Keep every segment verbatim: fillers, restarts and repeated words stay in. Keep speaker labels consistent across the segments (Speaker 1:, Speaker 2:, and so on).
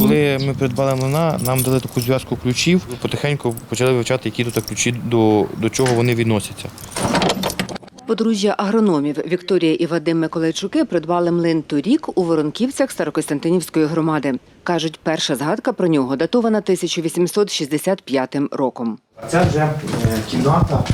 Speaker 1: Коли ми придбали млина, нам дали таку зв'язку ключів, потихеньку почали вивчати, які тут ключі, до, до чого вони відносяться.
Speaker 2: Подружжя агрономів Вікторія і Вадим Миколайчуки придбали млин торік у Воронківцях Старокостянтинівської громади. Кажуть, перша згадка про нього датована тисяча вісімсот шістдесят п'ятим роком.
Speaker 1: Це вже кімната,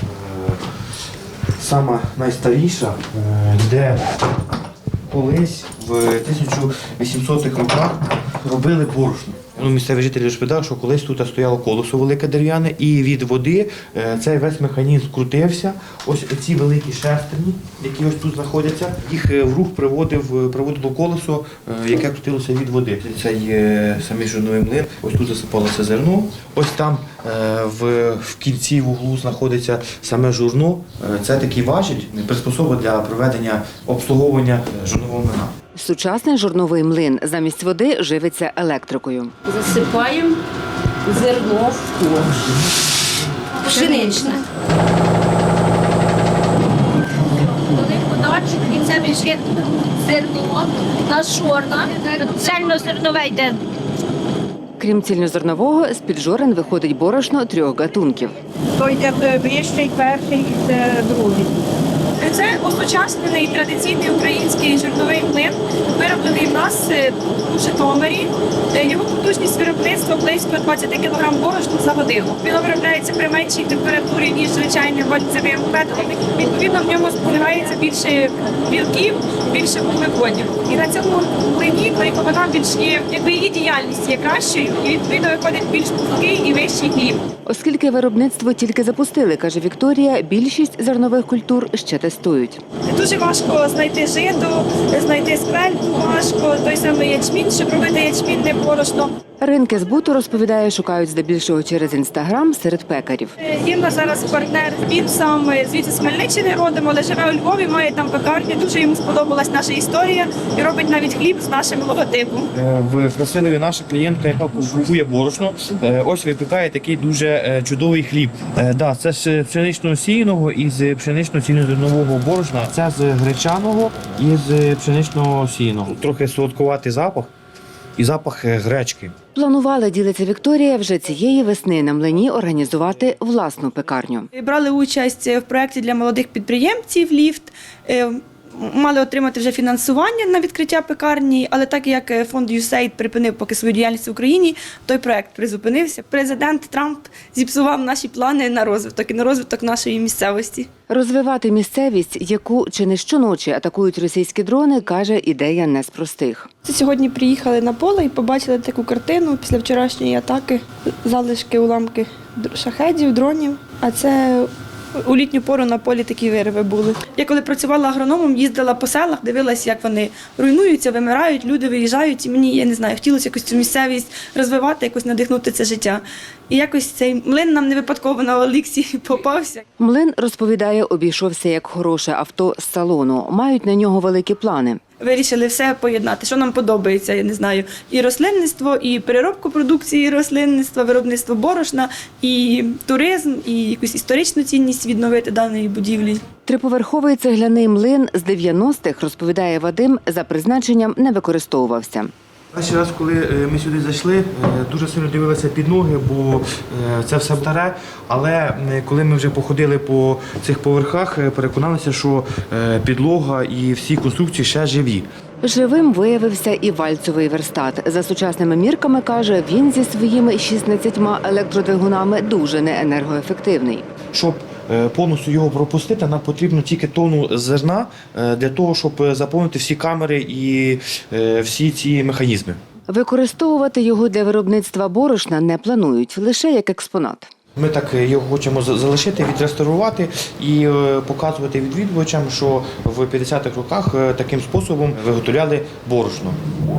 Speaker 1: сама найстаріша, де колись в тисяча вісімсотих роках робили борошно. Ну, місцеві жителі розповідали, що колись тут стояло колесо велике дерев'яне, і від води цей весь механізм крутився. Ось ці великі шестерні, які ось тут знаходяться, їх в рух приводив, приводило колесо, яке крутилося від води. Це є самий жорновий млин, ось тут засипалося зерно, ось там в, в кінці в углу знаходиться саме журно. Це такий важіль, приспособа для проведення обслуговування жорнового млина.
Speaker 2: Сучасний жорновий млин замість води живиться електрикою.
Speaker 3: Засипаємо зерно в ковш. Пшеничне. Коли подачик, і це біжить зерно на шорна, цельнозернове йде.
Speaker 2: Крім цільнозернового, з-під жорен виходить борошно трьох гатунків.
Speaker 4: То йде вищий, перший і це другий.
Speaker 5: Це осучаснений традиційний український жирновий млин, вироблений в нас у Житомирі. Його потужність виробництва близько двадцять кілограм борошна за годину. Він виробляється при меншій температурі, ніж звичайним вальцевим методом. Відповідно, в ньому зберігається більше білків, більше вуглеводів. І на цьому млині вона більш є, якби її діяльність є кращою, і відповідно виходить більш пухкий і вищий хліб.
Speaker 2: Оскільки виробництво тільки запустили, каже Вікторія, більшість зернових культур ще тестують.
Speaker 5: Дуже важко знайти жито, знайти сквельку важко, той самий ячмінь, щоб робити ячмінне борошно.
Speaker 2: Ринки збуту, розповідає, шукають здебільшого через Інстаграм серед пекарів.
Speaker 5: Є в нас зараз партнер, він сам звідси з Хмельниччини родом, але живе у Львові, має там пекарню, дуже йому сподобалась наша історія і робить навіть хліб з нашим логотипом.
Speaker 1: В Красилові наша клієнтка, яка купує борошно, ось випікає такий дуже чудовий хліб. Да, це з пшеничного сіяного і з пшенично-цільнозернового борошна, це з гречаного і з пшеничного сіяного. Трохи солодкуватий запах і запах гречки.
Speaker 2: Планували, ділиться Вікторія, вже цієї весни на млині організувати власну пекарню.
Speaker 6: Брали участь в проєкті для молодих підприємців «Ліфт». Мали отримати вже фінансування на відкриття пекарні, але так як фонд ю ес ей ай ді припинив поки свою діяльність в Україні, той проєкт призупинився. Президент Трамп зіпсував наші плани на розвиток і на розвиток нашої місцевості.
Speaker 2: Розвивати місцевість, яку чи не щоночі атакують російські дрони, каже, ідея не з простих.
Speaker 6: Сьогодні приїхали на поле і побачили таку картину після вчорашньої атаки, залишки, уламки шахедів, дронів, а це у літню пору на полі такі вириви були. Я коли працювала агрономом, їздила по селах, дивилася, як вони руйнуються, вимирають, люди виїжджають, і мені, я не знаю, хотілося якось цю місцевість розвивати, якось надихнути це життя. І якось цей млин нам не випадково на Олексі попався.
Speaker 2: Млин, розповідає, обійшовся як хороше авто з салону. Мають на нього великі плани.
Speaker 6: Вирішили все поєднати, що нам подобається, я не знаю, і рослинництво, і переробку продукції рослинництва, виробництво борошна, і туризм, і якусь історичну цінність відновити даної будівлі.
Speaker 2: Триповерховий цегляний млин з дев'яностих, розповідає Вадим, за призначенням не використовувався.
Speaker 1: Перший раз, коли ми сюди зайшли, дуже сильно дивилися під ноги, бо це все старе. Але коли ми вже походили по цих поверхах, переконалися, що підлога і всі конструкції ще живі.
Speaker 2: Живим виявився і вальцовий верстат. За сучасними мірками, каже, він зі своїми шістнадцятьма електродвигунами дуже неенергоефективний.
Speaker 1: Щоб повністю його пропустити, нам потрібно тільки тонну зерна для того, щоб заповнити всі камери і всі ці механізми.
Speaker 2: Використовувати його для виробництва борошна не планують, лише як експонат.
Speaker 1: Ми так його хочемо залишити, відреставрувати і показувати відвідувачам, що в п'ятдесятих роках таким способом виготовляли борошно.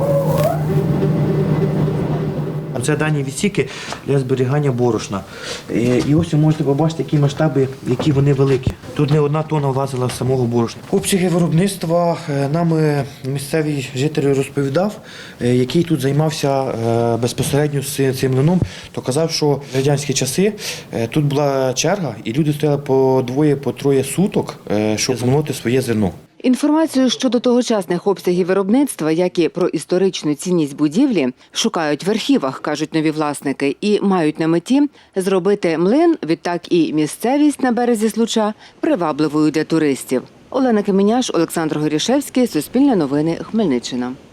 Speaker 1: Це дані відсіки для зберігання борошна. І ось ви можете побачити, які масштаби, які вони великі. Тут не одна тонна влазила з самого борошна. Обсяги виробництва нам місцевий житель розповідав, який тут займався безпосередньо з цим млином, то казав, що в радянські часи тут була черга, і люди стояли по двоє, по троє суток, щоб змолоти своє зерно.
Speaker 2: Інформацію щодо тогочасних обсягів виробництва, як і про історичну цінність будівлі, шукають в архівах, кажуть нові власники, і мають на меті зробити млин, відтак і місцевість на березі Случа привабливою для туристів. Олена Кеменяш, Олександр Горішевський, Суспільне новини, Хмельниччина.